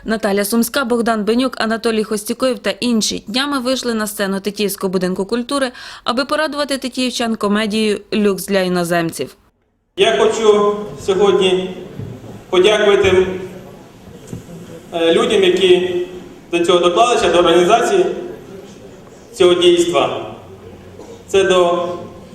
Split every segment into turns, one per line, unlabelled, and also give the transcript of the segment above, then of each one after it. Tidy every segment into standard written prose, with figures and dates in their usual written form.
Наталя Сумська, Богдан Бенюк, Анатолій Хостікоєв та інші днями вийшли на сцену Тетіївського будинку культури, аби порадувати тетіївчан комедією «Люкс для іноземців».
Я хочу сьогодні подякувати людям, які до цього доклалися, до організації цього дійства. Це до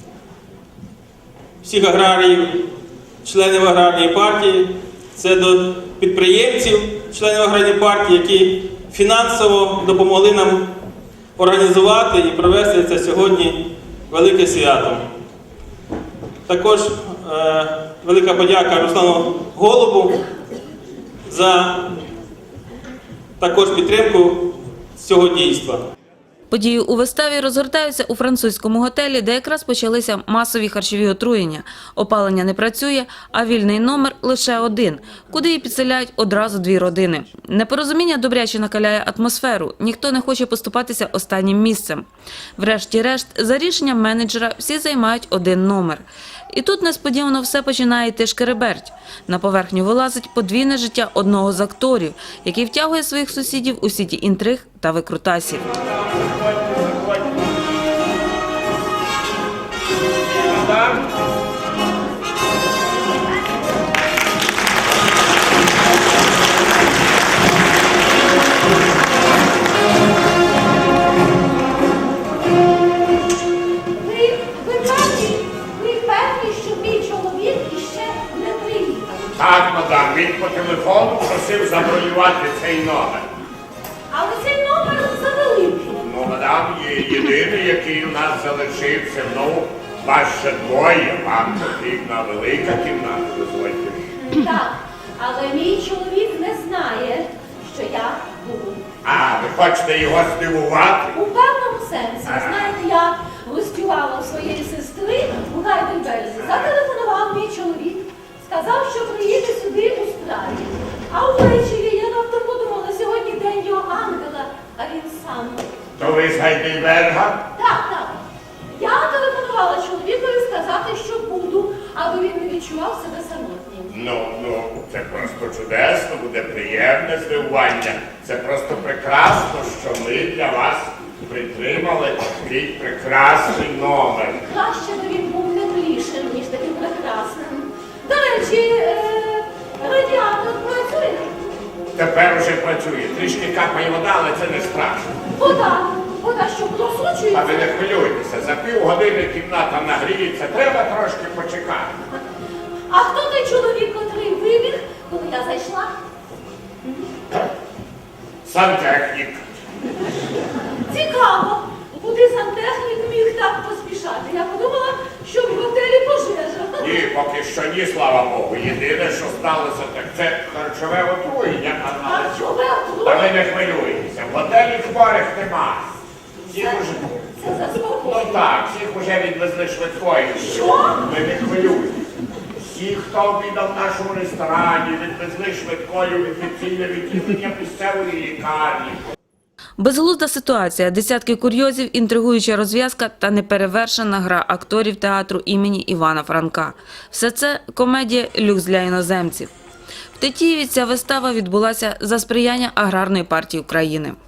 всіх аграріїв, членів аграрної партії, це до підприємців, членів аграрної партії, які фінансово допомогли нам організувати і провести це сьогодні велике свято. Також велика подяка Руслану Голубу за також підтримку цього дійства.
Події у виставі розгортаються у французькому готелі, де якраз почалися масові харчові отруєння. Опалення не працює, а вільний номер лише один, куди і підселяють одразу дві родини. Непорозуміння добряче накаляє атмосферу, ніхто не хоче поступатися останнім місцем. Врешті-решт, за рішенням менеджера, всі займають один номер. І тут несподівано все починає йти шкереберть. На поверхню вилазить подвійне життя одного з акторів, який втягує своїх сусідів у сіті інтриг та викрутасів.
Так, мадам, він по телефону просив забронювати цей номер.
Але цей номер завеликий.
Ну, мадам, є єдиний, який у нас залишився. Ну, вас ще двоє, вам потрібна велика кімната, дозвольте.
Так, але мій чоловік не знає, що я буду.
А, ви хочете його здивувати?
У певному сенсі. Знаєте, я гостювала у своєї сестри у Гайдельберзі. Зателефонував мій чоловік. Сказав, що приїде сюди у справі. А ввечері я раптом подумала, сьогодні день його ангела, а він сам.
То ви з Гайдельберга?
Так. Я телефонувала чоловікові сказати, що буду, аби він не відчував себе самотнім.
Ну, це просто чудесно, буде приємне здивування. Це просто прекрасно, що ми для вас притримали такий прекрасний номер.
Краще би він був теплішим, ніж таким прекрасним. До речі, радіатор працює.
Тепер уже працює. Трішки капає вода, але це не страшно.
Вода що просочується?
А ви не хвилюйтеся, за півгодини кімната нагріється, треба трошки почекати.
А хто той чоловік, котрий вибіг, коли я зайшла?
Сантехнік.
Цікаво, куди сантехнік міг так поспішати? Я подумала, що в готелі пожежа.
Ні, поки що ні, слава Богу. Єдине, що сталося, так це харчове отруєння.
Харчове
Та
отруєння?
ви не хвилюйтеся, в готелі хворих нема.
Це заспокоює.
Ну так, всіх уже відвезли швидкою.
Що?
Ви не хвилюйтеся. Всі, хто обідав в нашому ресторані, відвезли швидкою в інфекційне відділення місцевої лікарні.
Безглузда ситуація, десятки курйозів, інтригуюча розв'язка та неперевершена гра акторів театру імені Івана Франка. Все це комедія «Люкс для іноземців». В Тетіїві ця вистава відбулася за сприяння Аграрної партії України.